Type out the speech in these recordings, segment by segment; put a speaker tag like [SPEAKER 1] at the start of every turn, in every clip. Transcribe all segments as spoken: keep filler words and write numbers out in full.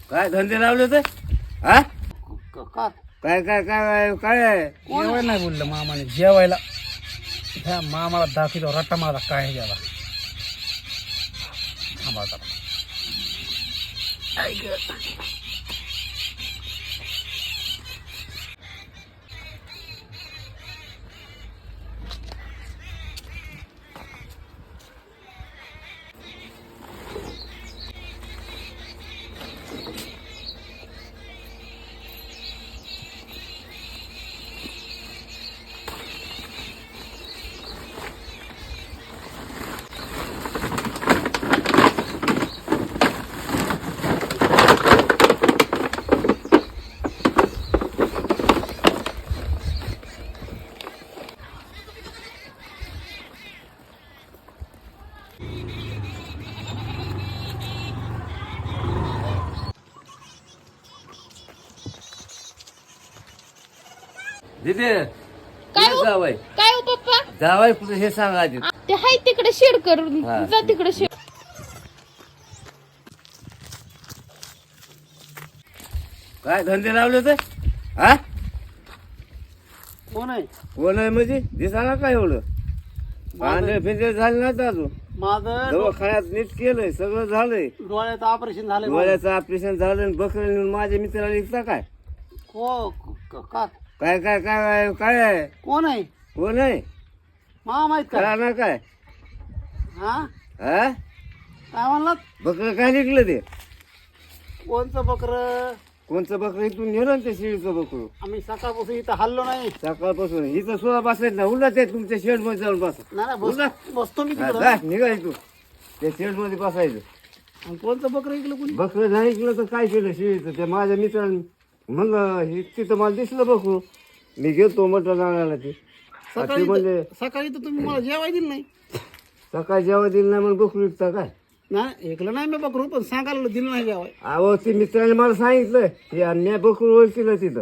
[SPEAKER 1] काय धंदे लावले ते हा
[SPEAKER 2] क- का
[SPEAKER 1] काय काय काय काय आहे
[SPEAKER 2] जेवायला नाही बोललं मामाने जेवायला ह्या मामाला दाखवतो रट्टा माझा काय गेला थांबा आता. ऐक.
[SPEAKER 1] दिदे
[SPEAKER 3] काय हो?
[SPEAKER 1] जावाय
[SPEAKER 3] काय हो पप्पा
[SPEAKER 1] जावाय कुठे हे सांगा आधी
[SPEAKER 3] ते हाय तिकडे शेड करून
[SPEAKER 1] हा.
[SPEAKER 3] जा तिकडे शेड.
[SPEAKER 1] काय धंदे लावले ते हा
[SPEAKER 2] कोण आहे
[SPEAKER 1] कोण आहे म्हणजे दिसाना काय एवढं पांढरे फिंदे झाले नाही अजून
[SPEAKER 2] माझं
[SPEAKER 1] दवाखान्यात नीट केलंय सगळं झालंय
[SPEAKER 2] डोळ्याचं ऑपरेशन झालं
[SPEAKER 1] डोळ्याचं ऑपरेशन झालं आणि बकरे नेऊन माझ्या मित्राला विकता काय
[SPEAKER 2] हो क- का
[SPEAKER 1] काय काय काय काय आहे
[SPEAKER 2] कोण आहे
[SPEAKER 1] कोण आहे
[SPEAKER 2] मामा आहेत का
[SPEAKER 1] कळा ना काय
[SPEAKER 2] हा
[SPEAKER 1] हा
[SPEAKER 2] काय म्हणलात
[SPEAKER 1] बकरं काय निघलं ते
[SPEAKER 2] कोणचं बकर
[SPEAKER 1] कोणचं बकरं इथून नेलं ना ते शिळीचं बकरू
[SPEAKER 2] आम्ही सकाळपासून इथं हल्लो नाही
[SPEAKER 1] सकाळपासून इथं सुद्धा बसायचं ना उलट ते तुमच्या शेड मध्ये जाऊन बसा
[SPEAKER 2] नाही नाही,
[SPEAKER 1] उलट.
[SPEAKER 2] बस- बसतो मी
[SPEAKER 1] हा,
[SPEAKER 2] तिकडं
[SPEAKER 1] जा, निघा तू त्या शेड मध्ये बसायचं
[SPEAKER 2] आणि कोणचं बकर ऐकलं कोणी
[SPEAKER 1] बकरं नाही ऐकलं तर काय केलं शिळीचं ते माझ्या मित्राने म्हणलं हे तिथं मला दिसलं बकरू मी गेलतो मटण आणायला ते आ, ते
[SPEAKER 2] सकाळी
[SPEAKER 1] म्हणजे
[SPEAKER 2] तर- सकाळी तर तुम्ही मला जेवाय दिलं नाही
[SPEAKER 1] सकाळी जेव्हा दिलं नाही म्हणून बकरू विकता काय
[SPEAKER 2] नाही ऐकलं नाही मी बकरू पण सांगायला दिलं नाही जेवाय
[SPEAKER 1] अहो ते मित्राने मला सांगितलं की मी बकरू ओळखलं तिथं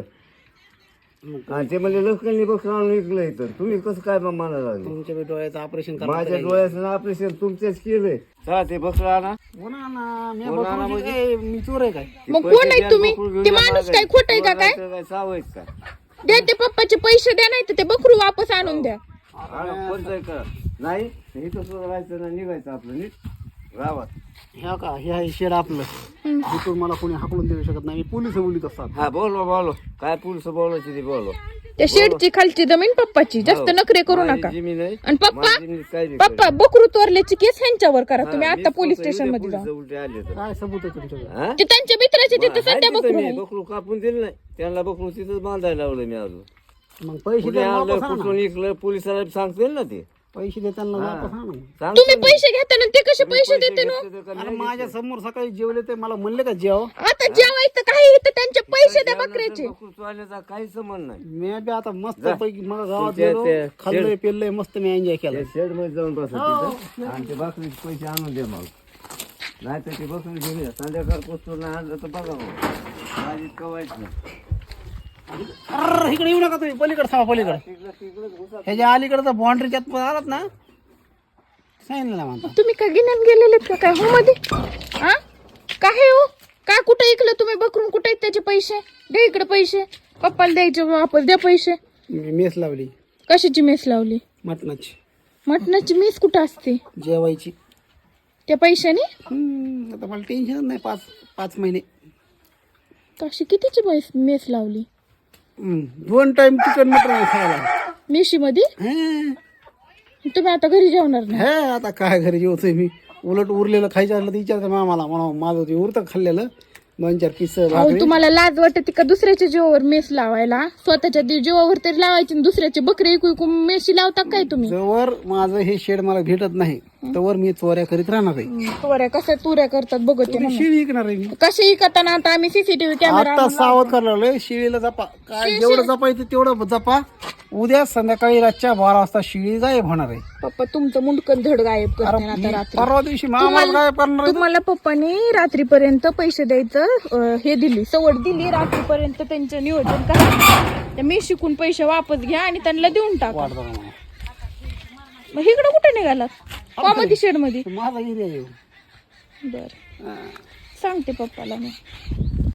[SPEAKER 2] मग
[SPEAKER 1] आणि ते म्हणजे लोकांनी बकरू आणून विकलं इथं तुम्ही कसं काय मग मला लागले
[SPEAKER 2] तुमच्या बी डोळ्याचं ऑपरेशन
[SPEAKER 1] माझ्या डोळ्याचं ऑपरेशन तुमच्याच केलंय चला ते बकरू आणा
[SPEAKER 2] हो ना ना मी
[SPEAKER 1] हो ना ना
[SPEAKER 2] बकरूची
[SPEAKER 1] म्हणजे?
[SPEAKER 2] काय मी चोर आहे काय
[SPEAKER 3] मग
[SPEAKER 1] पैसे
[SPEAKER 3] कोण आहे
[SPEAKER 1] द्या,
[SPEAKER 3] तुम्ही?
[SPEAKER 1] बकरू घेऊन
[SPEAKER 3] ते
[SPEAKER 1] या
[SPEAKER 3] माणूस
[SPEAKER 1] माघारी.
[SPEAKER 3] काय खोटं आहे का
[SPEAKER 1] तुम्हाला
[SPEAKER 3] काय?
[SPEAKER 1] काय सावयच का
[SPEAKER 3] द्या ते पप्पाचे पैसे द्या नाही तर ते बकरू वापस आणून द्या.
[SPEAKER 1] आणा, कोणतं आहे का नाही इथं सुद्धा राहायचं ना निघायचं आपलं नीट गावात
[SPEAKER 2] ह्या का हे आहे शेड आपलं तिथून मला कोणी हाकलून देऊ शकत नाही मी पोलिस बोलीत असतात
[SPEAKER 1] हा बोलो बोलो काय पुरुष बोलायची ते बोलो
[SPEAKER 3] त्या शेडची खालची जमीन पप्पाची जास्त नखरे करू
[SPEAKER 1] माझी
[SPEAKER 3] नका.
[SPEAKER 1] जमीन आहे.
[SPEAKER 3] आणि पप्पा
[SPEAKER 1] माझी जमीन काय बी
[SPEAKER 3] पप्पा बकरू तोरल्याची केस ह्यांच्यावर करा
[SPEAKER 1] करेल.
[SPEAKER 3] तुम्ही
[SPEAKER 1] हा,
[SPEAKER 3] आता
[SPEAKER 1] मीच
[SPEAKER 3] पोलीस
[SPEAKER 1] फक्त
[SPEAKER 3] स्टेशन
[SPEAKER 1] इथे
[SPEAKER 3] मध्ये
[SPEAKER 1] पोलिस
[SPEAKER 3] जा.
[SPEAKER 1] उलटे आले तर.
[SPEAKER 2] काय सबूत आहे तुमच्याकडे
[SPEAKER 1] हा?
[SPEAKER 3] ते त्यांच्या मित्राचे तिथे
[SPEAKER 1] हाय
[SPEAKER 3] सध्या
[SPEAKER 1] तिथं
[SPEAKER 3] बकरू
[SPEAKER 1] मी
[SPEAKER 3] आहे.
[SPEAKER 1] बकरू कापून दिलं नाही त्यांना बकरू तिथं बांधायला लावलं मी अजून
[SPEAKER 2] मग पैसे
[SPEAKER 1] कुठे
[SPEAKER 2] द्या
[SPEAKER 1] आणलं
[SPEAKER 2] वापस आणा
[SPEAKER 1] कुठून इकलं पोलिसाला सांगतील ना ते
[SPEAKER 2] पैसे देताना वापस आणा
[SPEAKER 1] सांगतील
[SPEAKER 3] तुम्ही
[SPEAKER 1] ना.
[SPEAKER 3] पैसे घेताना ते कसे
[SPEAKER 1] तुम्ही
[SPEAKER 3] पैसे देते ना
[SPEAKER 1] घेतले तर का
[SPEAKER 2] अरे
[SPEAKER 1] नाही
[SPEAKER 2] माझ्या समोर सकाळी जेवले ते मला म्हणले का जेव
[SPEAKER 3] आता जेवायचं काही इथं त्यांचे पैसे द्या
[SPEAKER 1] जेवणाचं
[SPEAKER 3] बकऱ्याचे.
[SPEAKER 1] बकरू चोरण्याचा काही संबंध नाही
[SPEAKER 2] मी बी आता मस्त
[SPEAKER 1] जा.
[SPEAKER 2] पैकी मला गावात
[SPEAKER 1] तुमच्या
[SPEAKER 2] गेलो
[SPEAKER 1] ते-
[SPEAKER 2] खाल्लंय पेललंय मस्त मी एन्जॉय केलं
[SPEAKER 1] शेड मध्ये जाऊन बसा
[SPEAKER 2] हो.
[SPEAKER 1] तिथं आणि ते बकरीचे पैसे आणून दे मग नाही तर ते बकरी घेऊन या संध्याकाळ पोचून नाही आणलं तर बघा मग माझी कवायच नाही
[SPEAKER 2] अरे इकडे येऊ नका तुम्ही पलीकडे थांबा पलीकडे ह्याच्या अलीकडे बाउंड्रीच्यात आलात ना सांगितलं ना म्हणता
[SPEAKER 3] तुम्ही का गिन्यान गेलेले का काय हो मध्ये हा काय हो काय कुठे ऐकलं तुम्ही बकरून कुठे आहेत त्याचे पैसे द्या इकडे पैसे पप्पाला द्यायचे वापस द्या पैसे.
[SPEAKER 2] मी मेस लावली
[SPEAKER 3] कशाची मेस लावली
[SPEAKER 2] मटणाची
[SPEAKER 3] मटणाची मेस कुठं असते
[SPEAKER 2] जेवायची
[SPEAKER 3] त्या पैशाने
[SPEAKER 2] हम्म, आता मला टेन्शन नाही पाच पाच महिने
[SPEAKER 3] तशी कितीची मेस मेस लावली
[SPEAKER 2] हम्म, दोन टाइम चिकन मटण खायला
[SPEAKER 3] मेशी मध्ये
[SPEAKER 2] हे
[SPEAKER 3] तुम्ही आता घरी जेवणार नाही.
[SPEAKER 2] हे, आता काय घरी जेवतोय मी उलट उरलेलं खायचं असलं तर विचारतं मामाला म्हणा माझं ते उरतं खाल्लेलं दोन चार पीस
[SPEAKER 3] अहो तुम्हाला लाज वाटते का दुसऱ्याच्या जीवावर मेस लावायला स्वतःच्या दि- जीवावर तरी लावायची आणि दुसऱ्याचे बकरी ऐकू ऐकू मेशी लावता काय तुम्ही.
[SPEAKER 2] जवळ माझं हे शेड मला भेटत नाही तवर मी चोऱ्या करीत राहणार आहे
[SPEAKER 3] तुऱ्या कशा तुऱ्या करतात बघते ना.
[SPEAKER 2] शिळी विकणार आहे मी
[SPEAKER 3] कसे करताना आता आम्ही सीसीटीव्ही कॅमेरा
[SPEAKER 2] आता सावध करायला लागलोय शिळीला जपा काय जेवढं जपायचं तेवढं जपा उद्या संध्याकाळी रातच्या बारा वाजता शिळी गायब होणार आहे
[SPEAKER 3] पप्पा तुमचं मुंडकन धड गायब करते ना आता रात्री.
[SPEAKER 2] परवा दिवशी मामाला गायब करणार आहे.
[SPEAKER 3] तुम्हाला पप्पाने रात्रीपर्यंत पैसे द्यायचं अं, हे दिली सवड दिली रात्रीपर्यंत त्यांचं नियोजन करा त्या मी शिकून पैसे वापस घ्या आणि त्यांना देऊन टाका.
[SPEAKER 2] वाट बघा मला.
[SPEAKER 3] मग इकडं कुठे निघालात कॉमेडी शेड मध्ये
[SPEAKER 2] माझा एरिया येऊ
[SPEAKER 3] बर सांगते पप्पाला मी.